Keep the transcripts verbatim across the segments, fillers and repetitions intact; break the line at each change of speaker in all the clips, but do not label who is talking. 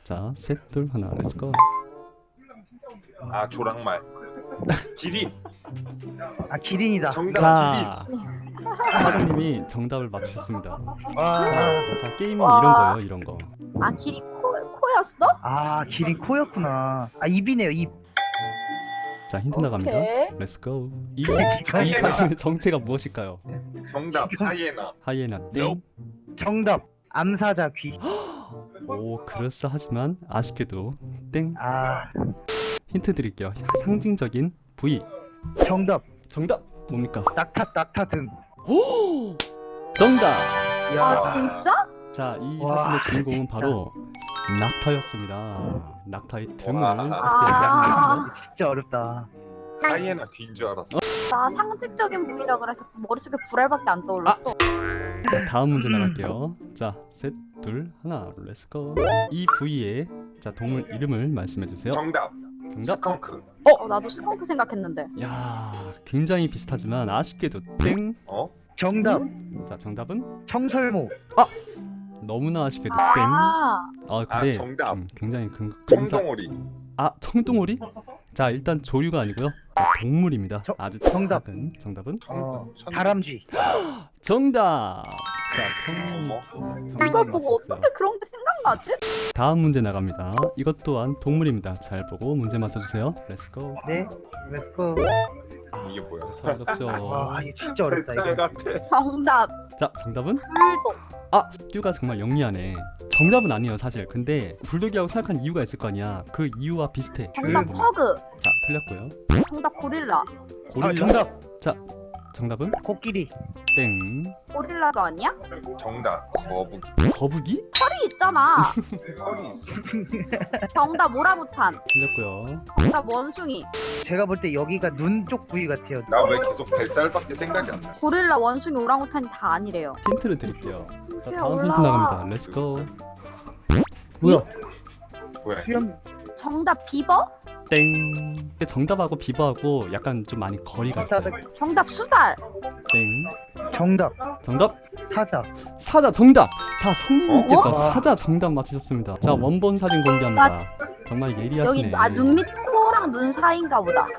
자, 셋, 둘, 하나, 렛츠고.
아 조랑말. 기린.
아 기린이다.
정답
자,
기린.
사장님이 정답을 맞추셨습니다.
와.
자, 게임은
와.
이런 거예요, 이런 거.
아 길이 코 코였어?
아 기린 코였구나. 아 입이네요 입.
자, 힌트 나갑니다.
오케이.
렛츠고. 이, 이 사진의 정체가 무엇일까요?
정답 하이에나.
하이에나 땡.
정답 암사자 귀.
오, 그럴싸하지만 아쉽게도 땡.
아
힌트 드릴게요. 상징적인 부위.
정답
정답 뭡니까?
낙타 낙타 등.
오! 정답.
야
아 진짜?
자, 이
와,
사진의 주인공은 바로 낙타였습니다. 낙타의 등을
와.
확대한
아.
사진이었죠.
진짜 어렵다.
하이에나 귀인 줄 알았어.
나 상징적인 부위라 그래서 머릿속에 불알밖에 안 떠올랐어.
자, 다음 문제 나갈게요. 자, 셋, 둘, 하나, 렛츠고. 이 부위의 자 동물 이름을 말씀해 주세요.
정답
정답.
스컹크.
어 나도 스컹크 생각했는데.
야, 굉장히 비슷하지만 아쉽게도 땡.
어?
정답
자, 정답은
청설모.
너무나 아쉽게도 땡.
아
아, 근데
아, 정답.
음, 굉장히 근 근사.
청동오리.
아, 청동오리? 자, 일단 조류가 아니고요. 자, 동물입니다.
저-
아주
정답.
작은 정답은
어
천-
다람쥐.
정답. 자, 성님이
어머.
이걸
정답을
보고
맞췄어요.
어떻게 그런 게 생각나지?
다음 문제 나갑니다. 이것 또한 동물입니다. 잘 보고 문제 맞춰주세요. 렛츠고.
네. 렛츠고.
이게 뭐야?
참 어렵죠.
와 이거 진짜 어렵다
뱃살
이거.
같아.
정답
자, 정답은?
불독.
아, 큐가 정말 영리하네. 정답은 아니에요, 사실. 근데 불독이라고 생각한 이유가 있을 거 아니야. 그 이유와 비슷해.
정답
그-
퍼그.
자, 틀렸고요.
정답 고릴라.
고릴라.
아 정답
정답은?
코끼리.
땡.
고릴라도 아니야?
정답 거북이.
거북이?
털이 있잖아.
털이 있어.
정답 오라무탄.
틀렸고요.
정답 원숭이.
제가 볼 때 여기가 눈 쪽 부위 같아요.
나 왜 계속 뱃살밖에 생각이 안 나?
고릴라, 원숭이, 오랑우탄이 다 아니래요.
힌트를 드릴게요. 자,
힌트야,
다음 힌트
올라와.
나갑니다. 렛츠고.
뭐야?
뭐야?
수염.
정답 비버.
땡. 정답하고 비버하고 약간 좀 많이 거리가 있어요.
정답 수달.
땡.
정답
정답.
사자.
사자 정답. 자, 성님께서
어?
사자 정답 맞추셨습니다. 자, 원본 사진 공개합니다. 정말 예리하시네.
여기 아 눈 밑 코랑 눈 사이인가 보다.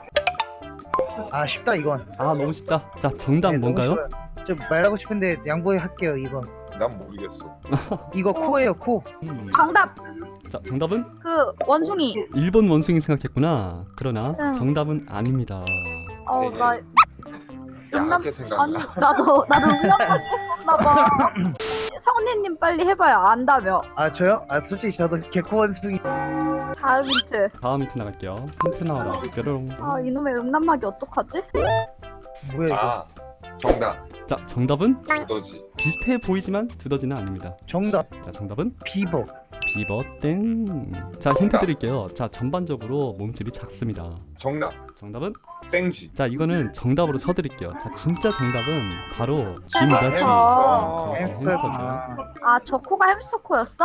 아 쉽다 이건.
아, 너무 쉽다. 자, 정답
네, 너무
뭔가요?
쉬워요. 좀 말하고 싶은데 양보해 할게요 이거.
난 모르겠어.
이거 코예요 코.
음.
정답
자, 정답은
그 원숭이.
일본 원숭이 생각했구나. 그러나
응.
정답은 아닙니다.
어나 음란
야하게
아니
생각나.
나도 나도 음란밖에 없나 봐. 성리님 빨리 해봐요. 안다며.
아 저요? 아 솔직히 저도 개코 원숭이.
다음 힌트.
다음 힌트 나갈게요. 힌트 나와라. 뾰로롱.
아 이놈의 음란막이 어떡하지?
뭐야 이거?
아 정답
자, 정답은
두더지.
비슷해 보이지만 두더지는 아닙니다.
정답
자, 정답은
비버.
비버 땡. 자, 힌트 드릴게요. 자, 전반적으로 몸집이 작습니다.
정답
정답은?
생쥐.
자, 이거는 정답으로 쳐드릴게요. 자, 진짜 정답은 바로 쥐입니다. 쥐.
햄스터.
자,
햄스터.
햄스터죠.
아 저 코가 햄스터 코였어?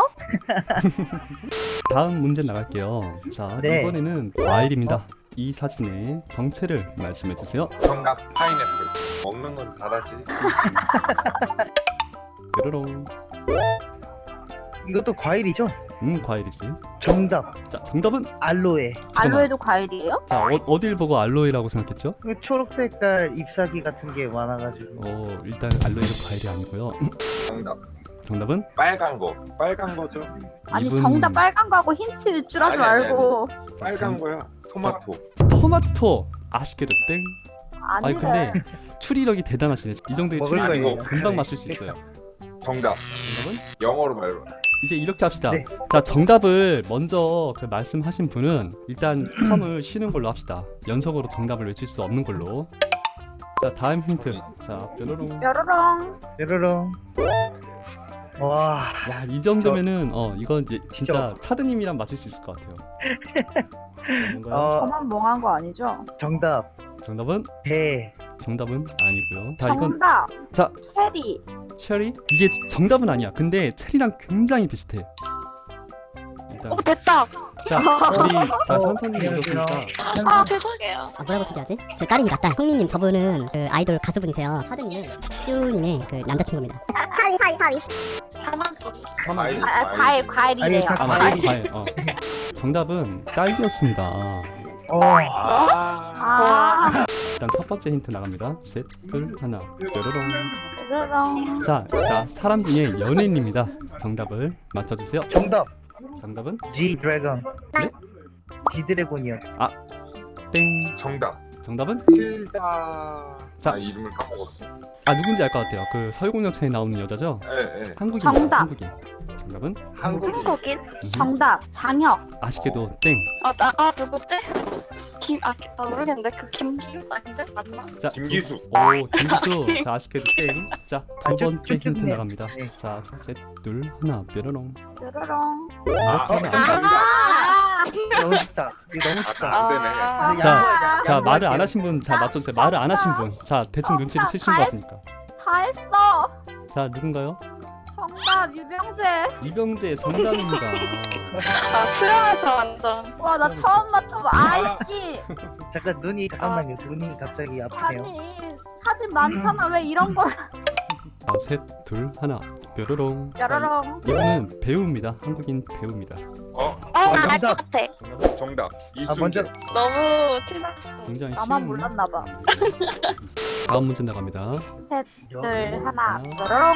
다음 문제 나갈게요. 자,
네.
이번에는 과일입니다. 이 사진의 정체를 말씀해 주세요.
정답 파인애플. 먹는 건 다르지.
뾰로롱.
이것도 과일이죠?
음, 과일이지.
정답
자, 정답은?
알로에.
잠깐만.
알로에도 과일이에요?
자, 어, 어딜 보고 알로에라고 생각했죠?
그 초록색깔 잎사귀 같은 게 많아가지고.
어, 일단 알로에는 과일이 아니고요.
정답
정답은?
빨간 거. 빨간 거죠.
아니
이분-
정답 빨간 거 하고 힌트 유출하지
아니, 아니,
말고.
빨간 거야. 토마토.
토마토. 아쉽게도 땡. 아니,
아니래.
근데 추리력이 대단하시네. 이 정도의
먹을
추리력이고
거예요.
금방 맞출 수 있어요.
정답
정답은?
영어로 말해.
이제 이렇게 합시다.
네.
자, 정답을 먼저 그 말씀하신 분은 일단 텀을 쉬는 걸로 합시다. 연속으로 정답을 외칠 수 없는 걸로. 자, 다음 힌트. 자, 뾰로롱.
뾰로롱.
뾰로롱. 와.
야, 이 정도면은 어 이건 이제 진짜
저-
차드님이랑 맞출 수 있을 것 같아요. 자, 뭔가요?
어
저만 멍한 거 아니죠?
정답
정답은?
배.
정답은 아니고요. 자, 이건
정답
자,
체리.
체리? 이게 정답은 아니야. 근데 체리랑 굉장히 비슷해. 일단
어 됐다.
자, 우리 자
어,
현선님
안녕하세요.
오셨으니까
아 죄송해요.
아, 뭐라고 소개하지? 저 딸입니다, 딸. 형님님 저분은 그 아이돌 가수분이세요. 사드님은 큐님의 그 남자친구입니다.
사위 사위 사위.
사마귀.
아, 아, 과일 과일이래요.
아니,
아 맞아 과일. 어. 정답은 딸기였습니다.
어.
아.
아,
일단 첫 번째 힌트 나갑니다. 셋, 둘, 하나. 뾰로롱.
뾰로롱.
자, 자 사람 중에 연예인입니다. 정답을 맞춰주세요.
정답.
정답은
G 드래곤.
네?
G 드래곤이요.
땡.
정답.
정답은
힐다.
자.
아 이름을 까먹었어.
아 누군지 알 것 같아요. 그 설국열차에 나오는 여자죠?
예, 예.
한국인.
정답.
한국인. 정답은
한국인.
한국인?
음,
정답 장혁.
아쉽게도 땡.
아, 나, 아 누구지? 김, 아, 나 모르겠는데 그 김기욱 아닌데? 맞나?
자,
김기수.
오 김기수. 자 아쉽게도 땡. 자 두
아, 쭉,
번째
쭉, 쭉
힌트
네.
나갑니다.
네.
자 셋, 둘, 하나. 뾰로롱.
뾰로롱.
아,
이렇게 하면 안
아,
돼요.
아,
너무 쉽다. 이거 너무
아,
쉽다.
안 되네.
아,
자, 자
양보할게요.
말을 안 하신 분, 자 맞춰주세요. 말을 안 하신 분, 자 대충 눈치를
다
채신 것
했-
같으니까.
다 했어.
자 누군가요?
정답 유병재.
이병재 정답입니다.
아, 수영에서 완전.
와 나 처음 맞춰봐. 아이씨.
잠깐 눈이 잠깐만요. 눈이 갑자기 아프네요.
아니 사진 많잖아. 왜 이런 걸?
자, 셋, 둘, 하나. 뾰로롱.
뾰로롱.
이분은 배우입니다. 한국인 배우입니다.
어,
어, 나 알
정답.
것 같아.
정답.
아
이순재.
먼저
너무 틀렸어.
굉장히
나만
쉬운
몰랐나 봐.
다음 문제 나갑니다.
셋, 둘, 하나.
하나.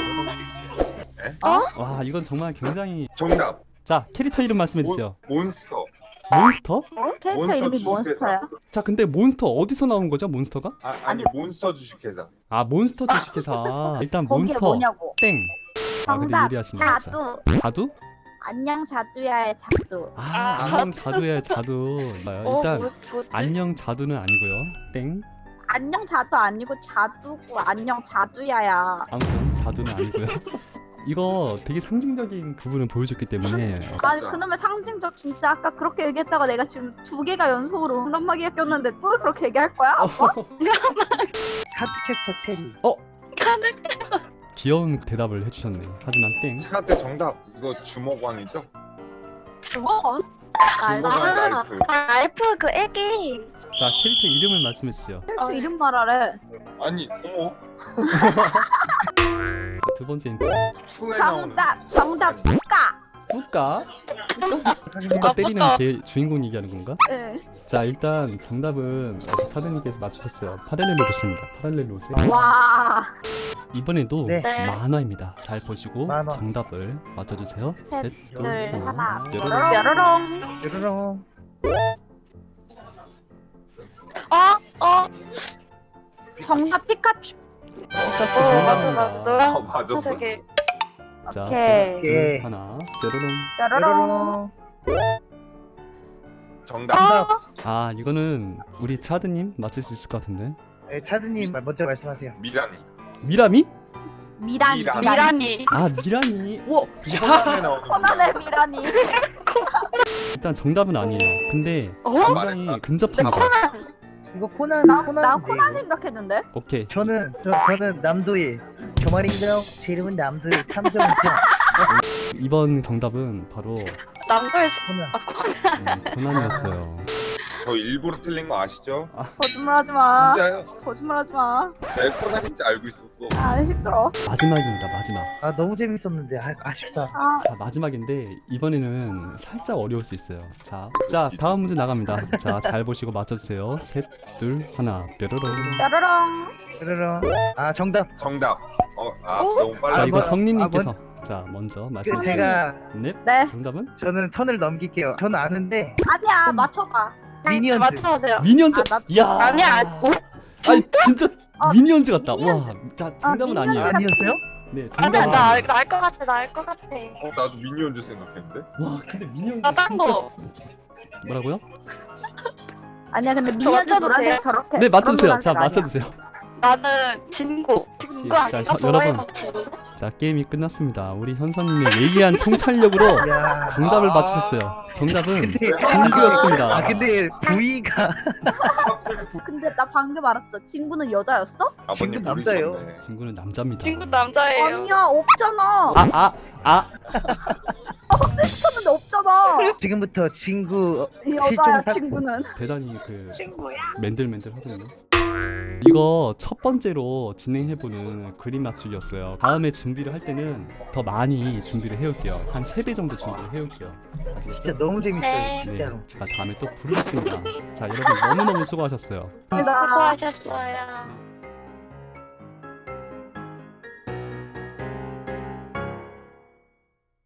뾰로롱.
와 이건 정말 굉장히
정답.
자 캐릭터 이름 말씀해 주세요.
몬, 몬스터.
몬스터?
캐릭터
몬스터
이름이
주식회사.
몬스터야.
자 근데 몬스터 어디서 나온 거죠? 몬스터가?
아, 아니 몬스터 주식회사.
아 몬스터 주식회사. 일단
거기에
몬스터
뭐냐고.
땡. 아 근데
정답.
유리하시네 진짜.
자두.
자두?
안녕 자두야의 자두.
아 안녕 자두의 자두.
어,
일단
뭐, 뭐지?
안녕 자두는 아니고요. 땡.
안녕 자두 아니고 자두고 안녕 자두야야.
아무튼 자두는 아니고요. 이거 되게 상징적인 부분을 보여줬기 때문에
아니
진짜.
그놈의 상징적 진짜 아까 그렇게 얘기했다가 내가 지금 두 개가 연속으로 음란마귀가 꼈는데 또 그렇게 얘기할 거야? 아빠?
하드캐스터 체리.
귀여운 대답을 해주셨네. 하지만 땡.
차한테 정답. 이거 주먹왕이죠?
주먹원?
주먹왕
아,
라이프.
아, 알프 그 애기.
자 캐릭터 이름을 말씀해 주세요.
캐릭터 이름 말하래.
아니, 어머.
자, 두 번째 힌트.
투에 나오는.
정답 정답 뿌까.
뿌까?
하긴
뿌까
아,
때리는
뿌까.
개 주인공 얘기하는 건가?
응.
자 일단 정답은 어, 차드님께서 맞추셨어요. 파렐레로 보십니다. 파렐레로 오세요.
와.
이번에도
네.
네.
만화입니다. 잘 보시고
만화.
정답을 맞춰주세요.
셋,
셋, 둘,
둘, 하나.
뾰로롱.
뾰로롱.
뾰로롱.
어? 어?
정답 피카츄.
똑같이
어, 맞아,
정답입니다.
맞아. 너랑
어, 맞았어.
되게.
자,
오케이.
셋, 둘,
오케이.
하나, 뾰로롱.
뾰로롱.
뾰로롱.
정답.
정답.
아 이거는 우리 차드님 맞출 수 있을 것 같은데.
네, 차드님 먼저 말씀하세요.
미라니.
미라미?
미라니.
미라니.
미라니.
미란이.
아 미라니. 우와.
코난에 나오는.
코난의 미라니.
일단 정답은 아니에요. 근데
어?
굉장히
말했다.
근접합니다.
이거 코난
나,
코난.
나 코난 생각했는데.
오케이.
저는 저, 저는 남도일. 저 말인가요? 제 이름은 남도일 탐정이죠.
이번 정답은 바로
남도에서.
코난.
아, 코난.
음, 고난이었어요.
저 일부러 틀린 거 아시죠?
거짓말하지 마.
진짜요?
거짓말하지 마.
내 코난인지 알고 있었어.
아 힘들어.
마지막입니다. 마지막.
아 너무 재밌었는데 아, 아쉽다.
아
자 마지막인데 이번에는 살짝 어려울 수 있어요. 자, 자 다음 문제 나갑니다. 자 잘 보시고 맞춰주세요. 셋, 둘, 하나, 뾰로롱.
뾰로롱.
뾰로롱. 아 정답.
정답. 어, 아
어?
너무 빨라.
자 이거
뭐-
성님님께서 자 먼저
그
말씀해 주세요.
제가
네.
네.
정답은
저는 턴을 넘길게요. 저는 아는데
아니야 맞춰봐.
미니언즈.
맞춰주세요.
미니언즈.
아, 나-
이야.
아니야, 아니, 어?
아니 진짜
어,
미니언즈 같다.
미니언즈.
와. 자 정답은
미니언즈
아니에요.
같-
아니었어요?
네
아니야,
정답은
나,
아니에요.
알 것 같아, 나 알 것 같아.
어, 나도 미니언즈 생각했는데.
와 근데 미니언즈
나 딴
진짜
거.
뭐라고요?
아니야 근데
저
미니언즈
맞춰도
노란색
돼요?
저렇게.
네
저런
맞춰주세요. 자
노란색 아니야.
맞춰주세요.
나는 진고. 진고
자,
아닌가?
혀- 여러분.
도라에몽 진고?
자 게임이 끝났습니다. 우리 현서님의 예리한 통찰력으로
야.
정답을
아.
맞추셨어요. 정답은
근데
진구였습니다.
아 근데 부위가
근데 나 방금 알았어. 친구는 여자였어?
아버님
친구 남자예요.
모르셨네.
진구는 남자입니다.
진고 남자예요.
아니야 없잖아.
아 아 아.
쳤는데 없잖아.
지금부터 친구
여자야
실종
친구는.
대단히 그
친구야.
맨들맨들 하거든요. 이거 첫 번째로 진행해보는 그림 맞추기였어요. 다음에 준비를 할 때는 더 많이 준비를 해올게요. 한 세 배 정도 준비를 해올게요. 아시겠죠?
진짜 너무 재밌어요
네.
진짜로.
제가 다음에 또 부르겠습니다. 자, 여러분 너무너무 수고하셨어요.
감사합니다.
수고하셨어요.